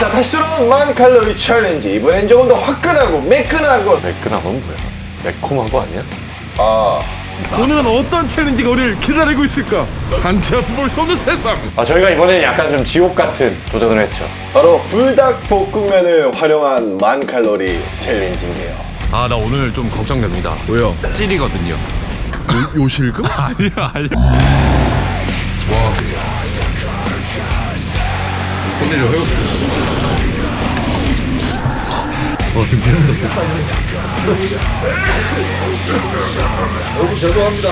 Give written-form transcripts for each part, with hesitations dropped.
자, 다시 돌아온 만 칼로리 챌린지. 이번엔 조금 더 화끈하고 매끈하고. 매끈한 건 뭐야? 매콤한 거 아니야? 아, 오늘은 어떤 챌린지가 우리를 기다리고 있을까? 한치 앞을 볼 수 없는 세상. 저희가 이번에 약간 좀 지옥 같은 도전을 했죠. 바로 불닭볶음면을 활용한 만 칼로리 챌린지인데요. 아, 나 오늘 좀 걱정됩니다. 왜요? 찔이거든요. 요실금? 아니야. 끝내줘, 해요. 지금 계속 여러분 죄송합니다.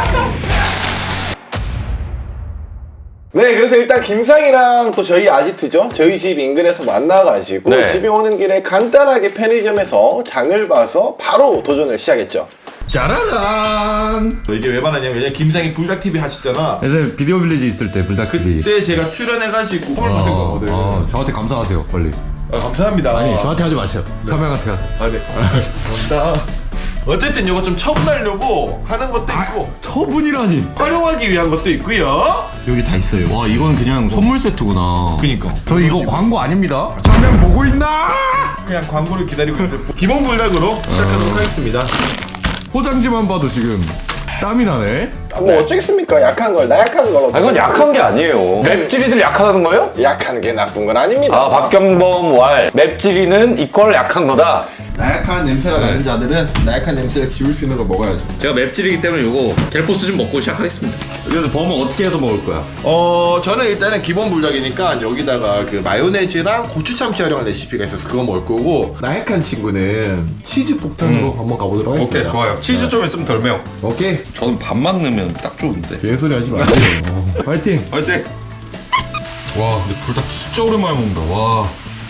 네, 그래서 일단 김상이랑 또 저희 아지트죠. 저희 집 인근에서 만나가지고 네. 집에 오는 길에 간단하게 편의점에서 장을 봐서 바로 도전을 시작했죠. 짜라란. 이게 왜 말하냐면 예전에 김상희 불닭TV 하셨잖아. 예전에 비디오 빌리지 있을 때 불닭TV. 그때 제가 출연해가지고 선물 받은 거거든. 저한테 감사하세요, 빨리. 감사합니다. 아니, 저한테 하지 마세요. 서명한테 가세요. 네. 감사합니다. 어쨌든 이거 좀 처분하려고 하는 것도 있고 처분이라니. 활용하기 위한 것도 있고요. 여기 다 있어요. 와, 이건 그냥 선물 세트구나. 그니까 저 이거 광고 아닙니다. 화면 보고 있나? 그냥 광고를 기다리고 있어요. 기본 불닭으로 시작하도록 하겠습니다. 포장지만 봐도 지금 땀이 나네. 뭐 어쩌겠습니까? 약한 걸 나약한 걸로. 아, 이건 약한 게 아니에요. 맵찔이들 약하다는 거예요? 약한 게 나쁜 건 아닙니다. 아, 박경범 왈. 맵찔이는 이퀄 약한 거다. 나약한 냄새가 나는 자들은 나약한 냄새를 지울 수 있는 걸 먹어야죠. 제가 맵찔이기 때문에 요거 갤포스 좀 먹고 시작하겠습니다. 그래서 범은 어떻게 해서 먹을 거야? 저는 일단은 기본 불닭이니까 여기다가 그 마요네즈랑 고추 참치 활용한 레시피가 있어서 그거 먹을 거고, 나약한 친구는 치즈 폭탄으로 한번 가보도록 하겠습니다. 오케이, 좋아요. 치즈 좀 있으면 덜 매워. 오케이. 저는 밥만 넣으면 딱 좋은데. 개소리 하지 마세요. 파이팅. 화이팅! 와, 근데 불닭 진짜 오랜만에 먹는다. 와.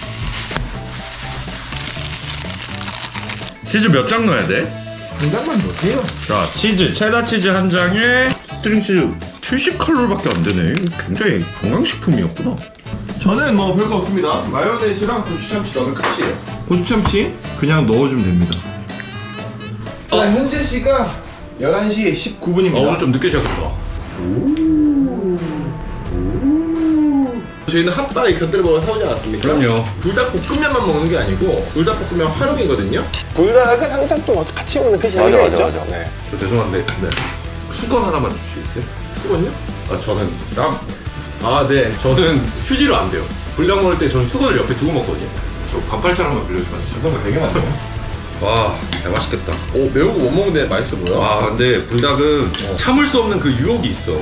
치즈 몇 장 넣어야 돼? 한 장만 넣으세요. 자, 치즈, 체다 치즈 한 장에 스트링 치즈 70칼로리밖에 안 되네. 이거 굉장히 건강식품이었구나. 저는 뭐 별거 없습니다. 마요네즈랑 고추 참치 넣으면 끝이에요. 고추 참치 그냥 넣어주면 됩니다. 자, 현재 시각 11시 19분입니다. 오늘 좀 늦게 시작했다. 저희는 핫바이 견들버거 사오지 않았습니까? 그럼요. 불닭볶음면만 먹는 게 아니고 불닭볶음면 활용이거든요. 불닭은 항상 또 같이 먹는 그 재미가 맞아, 있죠. 맞아. 네. 저 죄송한데, 네. 수건 하나만 주시겠어요? 그거는요? 아, 저는 네. 저는 휴지로 안 돼요. 불닭 먹을 때 저는 수건을 옆에 두고 먹거든요. 저 반팔차 하나만 빌려주면 안 돼요? 죄송합니다. 되게 많네요. 와, 맛있겠다. 오, 매운 거 못 먹는데 맛있어 보여. 아, 근데 불닭은 참을 수 없는 그 유혹이 있어.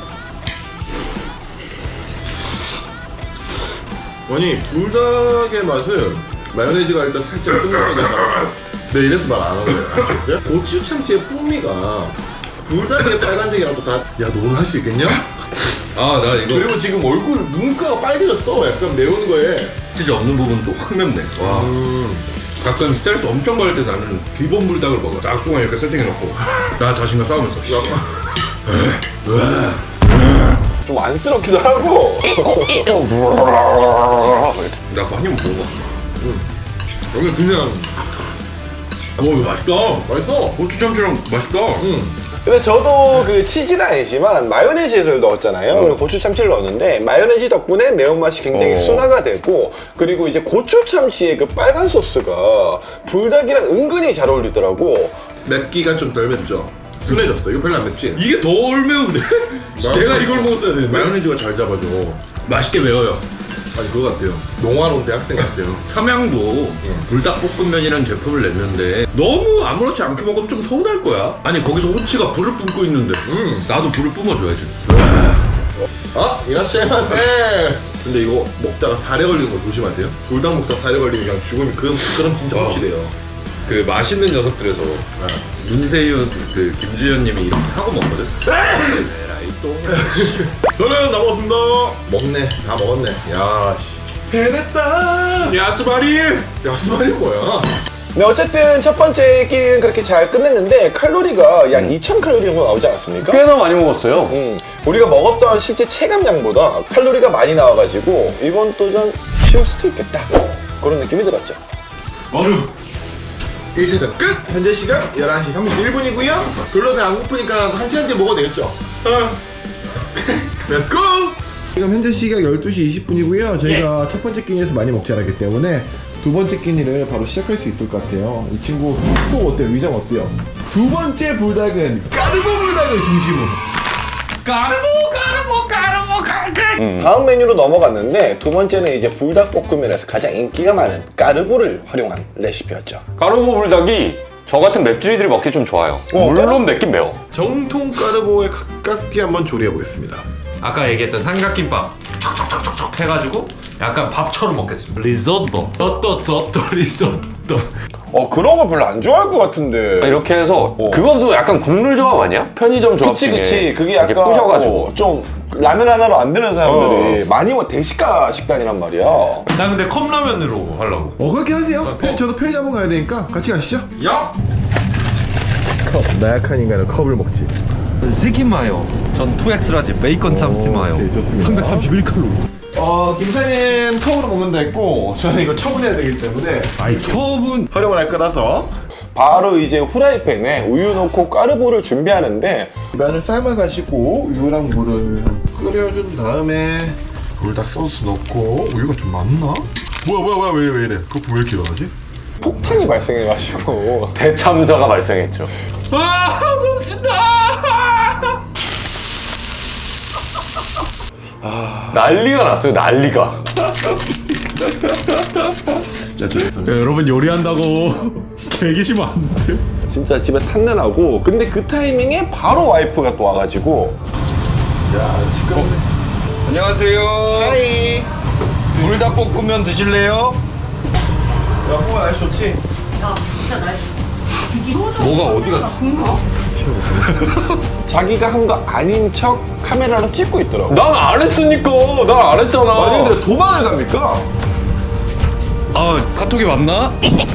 아니, 불닭의 맛은 마요네즈가 일단 살짝 뚱뚱하게 나고, 네, 이래서 말 안 하는 거예요. 고추 참치의 풍미가 불닭의 빨간색이랑 또 다. 야, 너 오늘 할 수 있겠냐? 아, 나 이거 그리고 지금 얼굴 눈가가 빨개졌어. 약간 매운 거에. 치즈 없는 부분도 확 맵네. 와. 가끔 스트레스 엄청 받을 때 나는 기본 불닭을 먹어. 딱 수건 이렇게 세팅해놓고 나 자신과 싸우면서. 좀 안쓰럽기도 하고. 나 그거 한 입만 먹어봐. 여기 그냥 오, 이거 맛있다. 맛있어. 고추 참치랑 맛있다. 근데 저도 그 치즈는 아니지만 마요네즈를 넣었잖아요. 그리고 고추 참치를 넣었는데 마요네즈 덕분에 매운맛이 굉장히 순화가 되고, 그리고 이제 고추 참치의 그 빨간 소스가 불닭이랑 은근히 잘 어울리더라고. 맵기가 좀 덜 맵죠. 순해졌어. 이거 별로 안 맵지? 이게 덜 매운데? 내가 이걸 먹었어야 되는데. 마요네즈가 잘 잡아줘. 맛있게 매워요. 아니 그거 같아요. 농아론 대학생 같아요. 삼양도 불닭볶음면이라는 제품을 냈는데 너무 아무렇지 않게 먹으면 좀 서운할 거야. 아니, 거기서 호치가 불을 뿜고 있는데 나도 불을 뿜어줘야지. 아, 이라시마세. 근데 이거 먹다가 살에 걸리는 거 조심하세요. 불닭 먹다가 살에 걸리면 그냥 죽으면 그럼 진짜 확실해요. 그 맛있는 녀석들에서 문세윤, 그 김주현님이 이렇게 하고 먹거든. 에라이 똥. 저는 다 먹었습니다. 먹네. 다 먹었네. 야, 씨. 해냈다. 야스바리. 야스바리 뭐야? 네, 어쨌든 첫 번째 끼리는 그렇게 잘 끝냈는데 칼로리가 약 2000칼로리 정도 나오지 않았습니까? 꽤나 많이 먹었어요. 우리가 먹었던 실제 체감량보다 칼로리가 많이 나와가지고 이번 도전 쉬울 수도 있겠다, 그런 느낌이 들었죠. 얼음. 1세트 끝! 현재 시각 11시 31분이고요. 별로 배 안 고프니까 1시간 뒤에 먹어도 되겠죠? Let's go! 지금 현재 시각 12시 20분이고요. 저희가 첫 번째 끼니에서 많이 먹지 않았기 때문에 두 번째 끼니를 바로 시작할 수 있을 것 같아요. 이 친구 속 어때요? 위장 어때요? 두 번째 불닭은 까르보 불닭을 중심으로. 다음 메뉴로 넘어갔는데 두 번째는 이제 불닭볶음면에서 가장 인기가 많은 까르보를 활용한 레시피였죠. 까르보 불닭이 저 같은 맵찔이들이 먹기 좀 좋아요. 물론 맵긴 매워. 정통 까르보에 가깝게 한번 조리해 보겠습니다. 아까 얘기했던 삼각김밥 촉촉촉촉 해가지고 약간 밥처럼 먹겠습니다. 리조또 소또 리조또. 그런 거 별로 안 좋아할 것 같은데. 이렇게 해서 그것도 약간 국물 조합 아니야? 편의점 조합 그치 중에 그치. 그게 이렇게 약간 부셔가지고 좀 라면 하나로 안 되는 사람들이 많이 뭐 대식가 식단이란 말이야. 나 근데 컵라면으로 하려고. 그렇게 하세요. 저도 편의점 가야 되니까 같이 가시죠. 야! 컵, 나약한 인간은 컵을 먹지. 시키마요. 전 2X라지 베이컨 참스마요. 오케이, 좋습니다. 331칼로리. 김상현 컵으로 먹는다 했고 저는 이거 처분해야 되기 때문에 처음은 활용을 할 거라서 바로 이제 후라이팬에 우유 넣고 까르보를 준비하는데 면을 삶아가지고 우유랑 물을 끓여준 다음에 불닭 소스 넣고 우유가 좀 많나? 뭐야 왜 이래? 거품 왜 이렇게 일어나지? 폭탄이 발생해가지고 대참사가 발생했죠. 아 멈춘다! 난리가 났어요. 난리가. 여러분 요리한다고 계기시면 안 돼. 진짜 집에 탄내나고 근데 그 타이밍에 바로 와이프가 또 와가지고 안녕하세요. 하이 불닭볶음면 드실래요? 야 홍아 날씨 좋지? 야, 진짜 날씨. 뭐가 어디가? 자기가 한 거 아닌 척 카메라로 찍고 있더라고. 난 안 했으니까. 난 안 했잖아. 아니 근데 도망을 갑니까? 아 카톡이 맞나?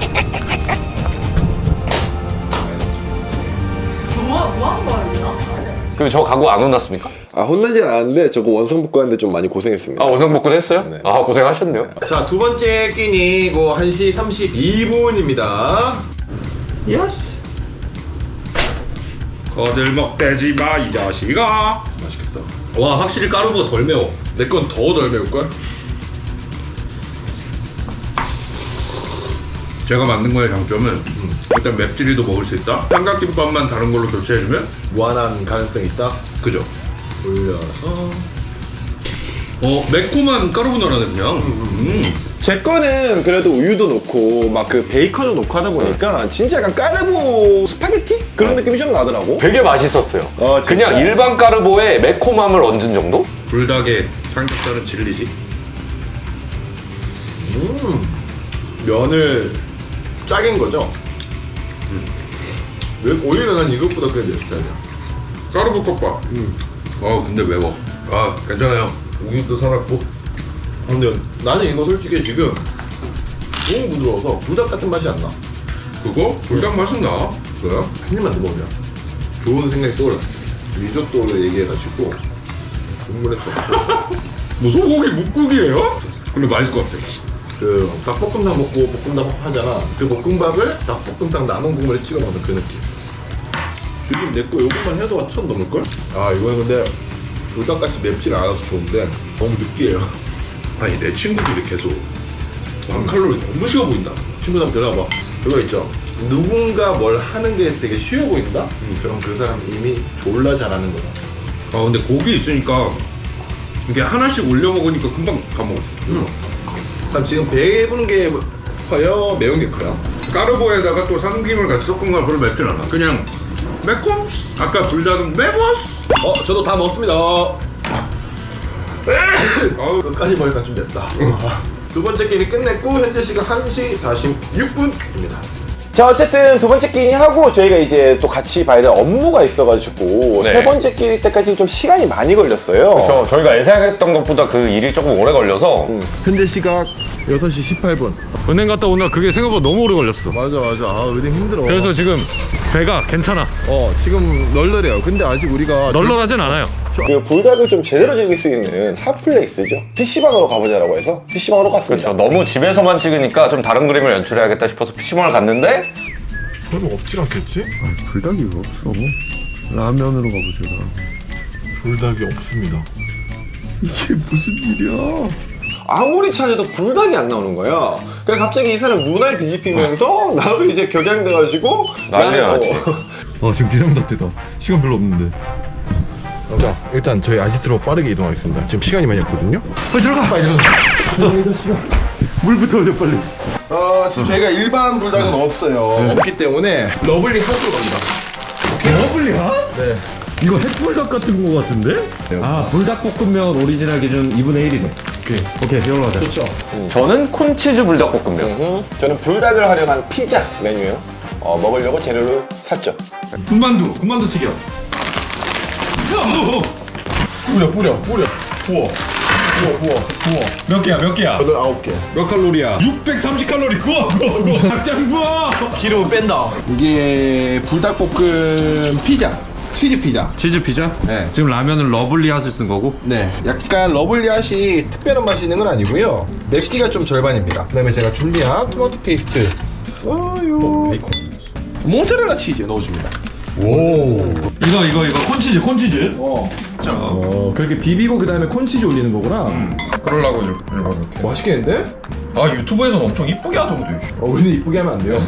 뭐한 거였나? 저 가구 안 혼났습니까? 아 혼나진 않았는데 저거 원성복구하는데 좀 많이 고생했습니다. 아 원상복구 했어요? 네. 아 고생하셨네요. 자, 두 번째 끼니고 1시 32분입니다. 예스. 거들먹대지 마 이 자식아. 맛있겠다. 와 확실히 까르보가 덜 매워. 내 건 더 덜 매울걸? 제가 만든 거의 장점은 일단 맵찔이도 먹을 수 있다. 삼각김밥만 다른 걸로 교체해주면 무한한 가능성이 있다. 그죠? 올려서 매콤한 까르보나라네 그냥. 제 거는 그래도 우유도 넣고 막 그 베이컨을 넣고 하다 보니까 진짜 약간 까르보 스파게티? 그런 느낌이 좀 나더라고. 되게 맛있었어요. 진짜? 그냥 일반 까르보에 매콤함을 얹은 정도? 불닭에 삼겹살은 진리지. 면을 짜긴 거죠? 왜 오히려 난 이것보다 그게 내 스타일이야. 까르보 컵밥. 근데 매워. 아 괜찮아요. 우유도 살았고. 근데 나는 이거 솔직히 지금 너무 부드러워서 불닭 같은 맛이 안 나. 그거 불닭 맛은 나. 그래요? 한 입만 더 먹으면 좋은 생각이 떠올라. 리조또를 얘기해가지고 국물에 좀 뭐 소고기 묵국이에요? 근데 맛있을 것 같아. 그 닭볶음탕 먹고 볶음밥 하잖아. 그 볶음밥을 닭볶음탕 남은 국물에 찍어 먹는 그 느낌. 지금 내 거 요것만 해도 1000 넘을걸? 아 이거는 근데 불닭같이 맵질 않아서 좋은데 너무 느끼해요. 아니 내 친구들이 계속 한 칼로리 너무 쉬워 보인다. 친구들 한번 들어봐. 그거 있죠. 누군가 뭘 하는 게 되게 쉬워 보인다? 그럼 그 사람 이미 졸라 잘하는 거다. 아 근데 고기 있으니까 이게 하나씩 올려 먹으니까 금방 다 먹었어. 그럼 지금 배부른 게 커요? 매운 게 커요? 까르보에다가 또 삼김을 같이 섞은 거라 별로 맵진 않아. 그냥 매콤. 아까 불닭은 매워스. 저도 다 먹었습니다. 아우 끝까지 먹으니까 좀 맵다. 두 번째 끼니 끝냈고 현재 시각 1시 46분입니다. 자 어쨌든 두 번째 끼니 하고 저희가 이제 또 같이 봐야 될 업무가 있어가지고 네. 세 번째 끼니 때까지 좀 시간이 많이 걸렸어요. 저희가 예상했던 것보다 그 일이 조금 오래 걸려서 현재 시각 6시 18분. 은행 갔다 오느라 그게 생각보다 너무 오래 걸렸어. 맞아. 아 은행 힘들어. 그래서 지금 배가 괜찮아. 지금 널널해요. 근데 아직 우리가 널널하진 않아요. 그 불닭을 좀 제대로 즐길 수 있는 핫플레이스죠. PC방으로 가보자라고 해서 PC방으로 갔습니다. 그렇죠. 너무 집에서만 찍으니까 좀 다른 그림을 연출해야겠다 싶어서 PC방을 갔는데 설마 없질 않겠지? 불닭이 없어. 라면으로 가보자. 불닭이 없습니다. 이게 무슨 일이야? 아무리 찾아도 불닭이 안 나오는 거야. 그래 갑자기 이 사람 눈알 뒤집히면서 나도 이제 격양돼가지고 난리야, 나는 지금. 지금 비상사태다. 시간 별로 없는데. 자, 일단 저희 아지트로 빠르게 이동하겠습니다. 지금 시간이 많이 없거든요. 빨리 들어가. 빨리 들어가. 물부터 올려 빨리. 지금 저희가 일반 불닭은 없어요. 없기 때문에 러블리 핫으로 갑니다. 러블리야? 네. 이거 햇불닭 같은 거 같은데? 아 불닭볶음면 오리지널 기준 2분의 1이네. 오케이 이걸로 하자. 좋죠. 저는 콘치즈 불닭볶음면. 저는 불닭을 활용한 피자 메뉴요. 먹으려고 재료를 샀죠. 군만두 튀겨. 뿌려. 부어. 몇 개야? 8, 9개. 몇 칼로리야? 630칼로리. 구워. 닭장 구워. 기름 뺀다. 이게 불닭볶음 피자. 치즈 피자. 치즈 피자? 네. 지금 라면은 러블리 핫을 쓴 거고. 네. 약간 러블리핫이 특별한 맛이 있는 건 아니고요. 맵기가 좀 절반입니다. 그 다음에 제가 준비한 토마토 페이스트 써요. 베이컨. 모짜렐라 치즈 넣어줍니다. 이거 콘치즈. 그렇게 비비고 그 다음에 콘치즈 올리는 거구나. 그러려고 이렇게. 맛있겠는데? 아 유튜브에서는 엄청 이쁘게 하던데. 근데 이쁘게 하면 안 돼요.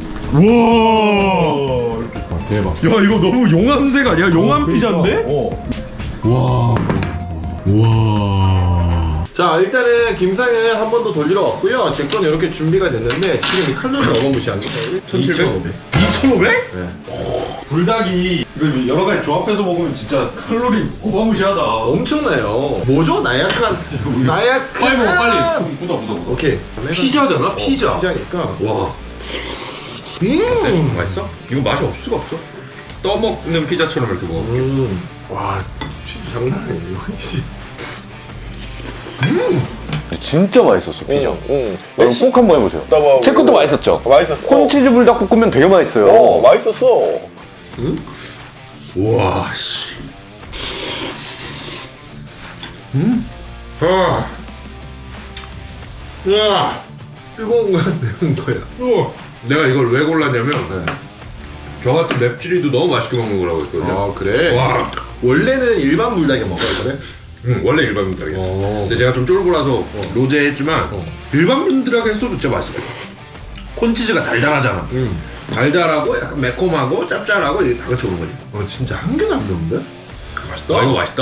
우와. 대박. 야 이거 너무 용암색 아니야? 용암 피자인데? 자, 일단은 김상은 한 번 더 돌리러 왔고요. 제 건 이렇게 준비가 됐는데 지금 이 칼로리 어마무시한 거 17,500. 2,500? 네. 불닭이 이거 여러 가지 조합해서 먹으면 진짜 칼로리 어마무시하다. 엄청나요. 뭐죠? 나약한. 빨리 먹어 빨리. 굳어. 오케이. 피자잖아 피자. 피자니까. 와. 맛있어? 이거 맛이 없을 수가 없어. 떠먹는 피자처럼 이렇게 먹어. 와, 진짜 장난 아니네. 이거. 진짜 맛있었어, 피자. 여러분 꼭 한번 해보세요. 나 뭐- 제 것도 맛있었죠? 맛있었어. 콘치즈 불닭볶음면 되게 맛있어요. 맛있었어. 와 씨. 야, 뜨거운 거야, 매운 거야. 내가 이걸 왜 골랐냐면 저 같은 맵찔이도 너무 맛있게 먹는 거라고 했거든요. 아, 그래? 와. 원래는 일반 불닭에 먹어요, 그래? 원래 일반 분들이야. 근데 제가 좀 쫄보라서 로제했지만 일반 분들하고 했어도 진짜 맛있을 거야. 콘치즈가 달달하잖아. 달달하고 약간 매콤하고 짭짤하고 이게 다 같이 오는 거지. 진짜 한 개도 안 매운데? 맛있다. 아 이거 맛있다.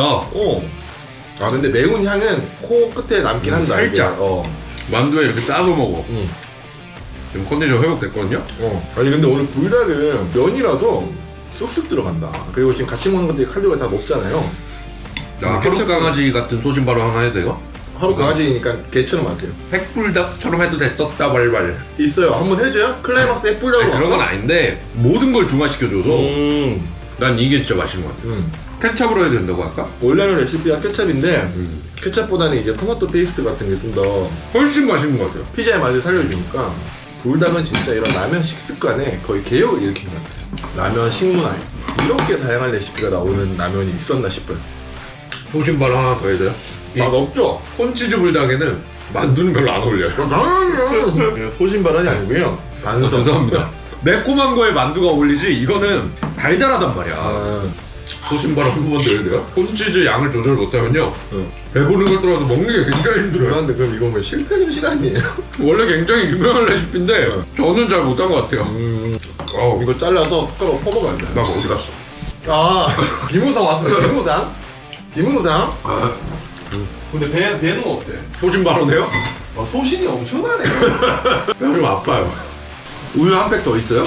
아, 근데 매운 향은 코 끝에 남긴 한다. 살짝. 이게. 만두에 이렇게 싸서 먹어. 지금 컨디션 회복됐거든요. 아니, 근데 오늘 불닭은 면이라서 쑥쑥 들어간다. 그리고 지금 같이 먹는 것들이 칼로리가 다 높잖아요. 나 하루 강아지 같은 소신바로 하나 해도 돼요? 하루 강아지니까 개처럼 하세요. 핵불닭처럼 해도 됐었다 발발. 있어요. 한번 해줘요? 클라이막스 핵불닭으로. 그런 건 아닌데 모든 걸 중화시켜줘서 난 이게 진짜 맛있는 것 같아. 케찹으로 해도 된다고 할까? 원래는 레시피가 케찹인데 케찹보다는 이제 토마토 페이스트 같은 게 좀 더 훨씬 맛있는 것 같아요. 피자의 맛을 살려주니까 불닭은 진짜 이런 라면 식습관에 거의 개혁을 일으킨 것 같아요. 라면 식문화 이렇게 다양한 레시피가 나오는 라면이 있었나 싶어요. 소신바로 하나 더 해야 돼요? 맛없죠? 콘치즈 불닭에는 만두는 별로 안 어울려요. 당연히요. 소신 발언이 아니고요. 반성. 감사합니다. 매콤한 거에 만두가 어울리지 이거는 달달하단 말이야. 소신바로 한 번만 더 해야 돼요? 콘치즈 양을 조절 못하면요 배부른 걸 떠나서 먹는 게 굉장히 힘들어요. 그런데 그럼 이건 뭐 실패 음식 아니에요? 원래 굉장히 유명한 레시피인데 저는 잘 못한 것 같아요. 이거 잘라서 숟가락으로 퍼먹어야 돼. 나 어디 갔어? 아, 비무상 왔어요. 비무상? 비무상? 근데 배는 어때? 소신바로네요? 소신이 엄청나네. 좀 아파요. 우유 한 팩 더 있어요?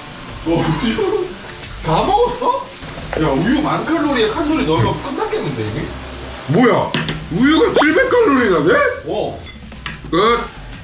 우유 다 먹었어? 야, 우유 만 칼로리에 칼로리 넣으면 끝났겠는데 이게? 뭐야? 우유가 700칼로리나 돼? 끝.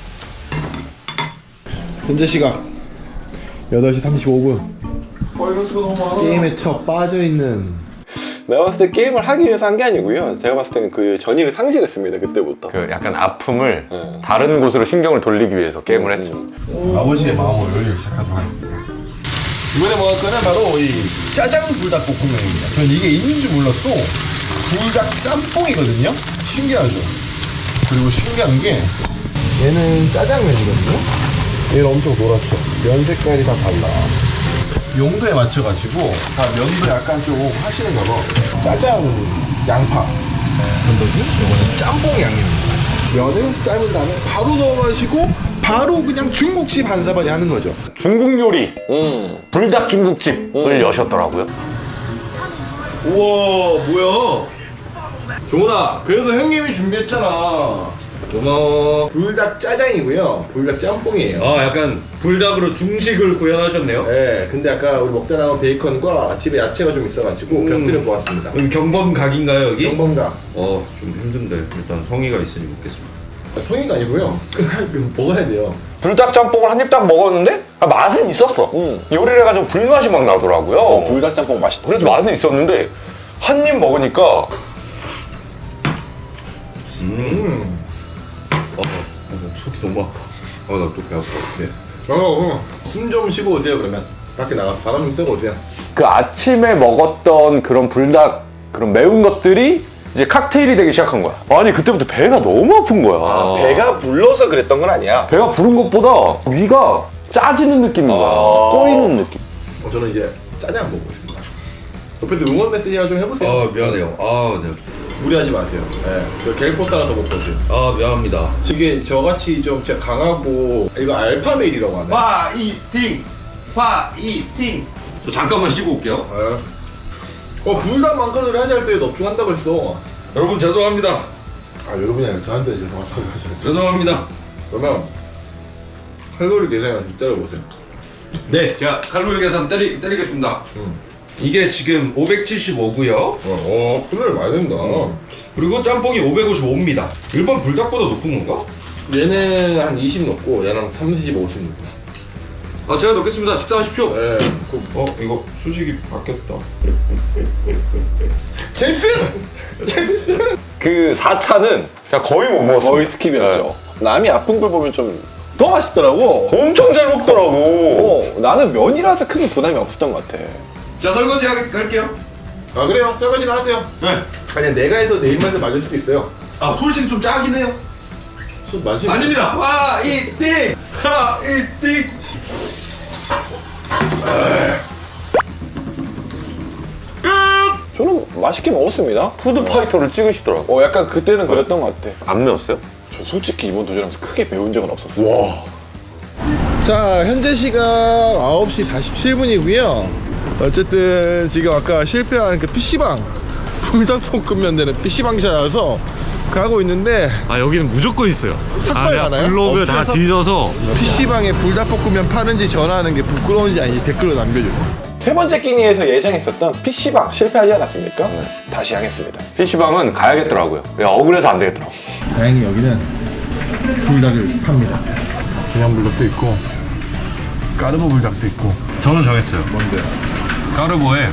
현재 시각 8시 35분. 게임에 쳐 빠져있는. 내가 봤을 때 게임을 하기 위해서 한 게 아니고요. 제가 봤을 때는 그 전의를 상실했습니다. 그때부터. 그 약간 아픔을 다른 곳으로 신경을 돌리기 위해서 게임을 했죠. 아버지의 마음으로 요리를 시작하도록 하겠습니다. 이번에 먹을 거는 바로 이 짜장 불닭볶음면입니다. 전 이게 있는 줄 몰랐어. 불닭 짬뽕이거든요. 신기하죠. 그리고 신기한 게 얘는 짜장면이거든요. 얘는 엄청 노랗죠. 면 색깔이 다 달라. 용도에 맞춰가지고 다 면도 약간 좀 하시는 거고 짜장 양파 건더기, 요거는 짬뽕 양념입니다. 면을 삶은 다음에 바로 넣어가시고 바로 그냥 중국집 한 사발이 하는 거죠. 중국 요리 불닭 중국집을 여셨더라고요. 우와 뭐야? 종훈아, 그래서 형님이 준비했잖아. 고마워. 불닭 짜장이고요. 불닭 짬뽕이에요. 약간 불닭으로 중식을 구현하셨네요. 네, 근데 아까 우리 먹다 남은 베이컨과 집에 야채가 좀 있어가지고 곁들여 보았습니다. 여기 경범각인가요 여기? 경범가. 좀 힘든데 일단 성의가 있으니 먹겠습니다. 성의가 아니고요. 먹어야 돼요. 불닭 짬뽕을 한 입 딱 먹었는데 맛은 있었어. 요리를 해가지고 불맛이 막 나더라고요. 불닭짬뽕 맛있다. 그래서 맛은 있었는데 한 입 먹으니까 속이 너무 아파. 나 또 배 아파. 네. 숨 좀 쉬고 오세요. 그러면 밖에 나가서 바람 좀 쐬고 오세요. 그 아침에 먹었던 그런 불닭 그런 매운 것들이 이제 칵테일이 되기 시작한 거야. 아니 그때부터 배가 너무 아픈 거야. 배가 불러서 그랬던 건 아니야. 배가 부른 것보다 위가 짜지는 느낌인 거야. 꼬이는 느낌. 저는 이제 짜장 먹고 있습니다. 옆에서 응원 메시지나 좀 해보세요. 미안해요. 네. 무리하지 마세요. 네. 저 갤포스 하나 더 먹거든. 미안합니다. 이게 저같이 좀 진짜 강하고 이거 알파메일이라고 하네. 화이팅! 저 잠깐만 쉬고 올게요. 불닭 만칼로리 하자 할 때 넙죽한다고 했어. 여러분 죄송합니다. 여러분이 아니라 저한테 죄송하다고 하시네. 죄송합니다. 그러면 칼로리 계산을 좀 때려보세요. 네, 제가 칼로리 계산 때리겠습니다. 이게 지금 575고요. 칼로리 많이 된다. 그리고 짬뽕이 555입니다. 일반 불닭보다 높은 건가? 얘는 한 20 넣고 얘는 30, 50 넣고. 제가 넣겠습니다. 식사하십시오. 네. 이거 수식이 바뀌었다. 제임스! 그 4차는 제가 거의 못 먹었어요. 거의 스킵이었죠. 남이 아픈 걸 보면 좀 더 맛있더라고. 엄청 잘 먹더라고. 나는 면이라서 크게 부담이 없었던 것 같아. 자, 설거지 할게요. 그래요? 설거지는 하세요. 네. 아니 내가 해서 내 입맛에 맞을 수도 있어요. 솔직히 좀 짜긴 해요. 좀 맛이 아닙니다. 화이팅! 저는 맛있게 먹었습니다. 푸드파이터를 찍으시더라고. 약간 그때는 그랬던 것 같아. 안 매웠어요? 저 솔직히 이번 도전하면서 크게 매운 적은 없었어요. 와. 자, 현재 시각 9시 47분이고요. 어쨌든 지금 아까 실패한 그 PC방 불닭볶음면 되는 PC방 찾아서 가고 있는데 여기는 무조건 있어요. 삭발 내가 가나요? 블로그 다 없어서? 뒤져서 PC방에 불닭볶음면 파는지 전화하는 게 부끄러운지 아닌지 댓글로 남겨주세요. 세 번째 끼니에서 예정했었던 PC방 실패하지 않았습니까? 다시 하겠습니다. PC방은 가야겠더라고요. 억울해서 안 되겠더라고. 다행히 여기는 불닭을 팝니다. 그냥 불닭도 있고 까르보 불닭도 있고. 저는 정했어요. 뭔데? 까르보에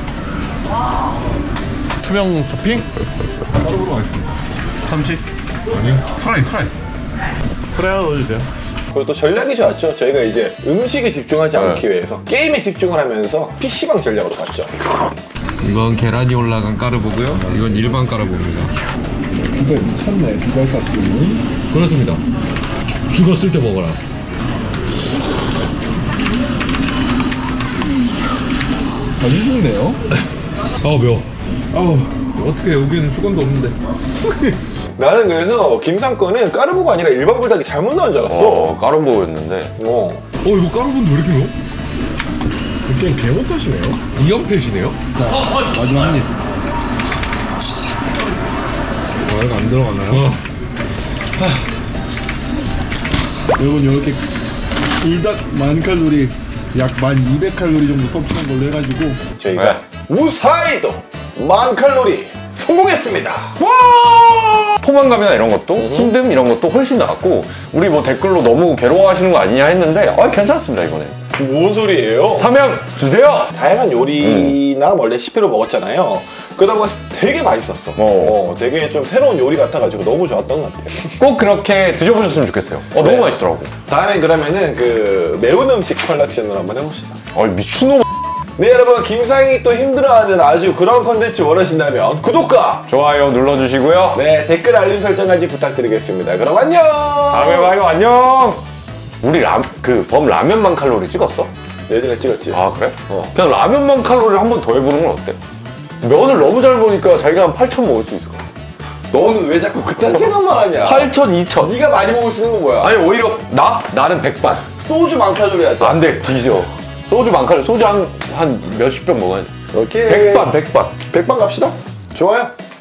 투명 토핑? 까르보로 가겠습니다. 참치, 아니, 프라이. 프라이 하나 넣어주세요. 그리고 또 전략이 좋았죠. 저희가 이제 음식에 집중하지 않기 위해서 게임에 집중을 하면서 PC방 전략으로 갔죠. 이건 계란이 올라간 까르보고요. 이건 일반 까르보입니다. 비달 미쳤네. 비달 샀더니. 그렇습니다. 죽었을 때 먹어라. 아주 좋네요. 매워. 어떻게 여기는 수건도 없는데. 나는 그래서 김상권은 까르보가 아니라 일반 불닭이 잘못 나온 줄 알았어. 까르보였는데. 이거 까르보인데 왜 이렇게 매워? 게임 개 못하시네요. 2연패시네요? 마지막 한 입. 이거 안 들어가나요? 여러분 이렇게 불닭 1000칼로리 약 1200칼로리 정도 섭취한 걸로 해가지고 저희가 무사히도 10,000칼로리 성공했습니다. 포만감이나 이런 것도 힘듦 이런 것도 훨씬 나았고 우리 뭐 댓글로 너무 괴로워하시는 거 아니냐 했는데 괜찮습니다 이번에. 뭔 소리예요? 삼양 주세요. 다양한 요리나 원래 CP로 먹었잖아요. 그러다 보니까 되게 맛있었어. 되게 좀 새로운 요리 같아가지고 너무 좋았던 것 같아요. 꼭 그렇게 드셔보셨으면 좋겠어요. 너무 맛있더라고. 다음엔 그러면은 그 매운 음식 컬렉션을 한번 해봅시다. 미친놈. 네 여러분, 김상이 또 힘들어하는 아주 그런 컨텐츠 원하신다면 구독과 좋아요 눌러주시고요. 네 댓글 알림 설정까지 부탁드리겠습니다. 그럼 안녕. 다음에 봐요. 안녕. 우리 범 라면만 칼로리 찍었어? 예전에 찍었지. 아 그래? 그냥 라면만 칼로리를 한 번 더 해보는 건 어때? 면을 너무 잘 보니까 자기가 한 8,000 먹을 수 있을 것 같아. 너는 왜 자꾸 그딴 생각만 하냐? 8천, 2천. 네가 많이 먹을 수 있는 건 뭐야? 아니 오히려 나는 백반. 소주 많카조리 하자. 안 돼, 뒤져. 소주 많카를 소주 한 몇십 병 먹어야 돼. 오케이. 백반. 백반 갑시다. 좋아요.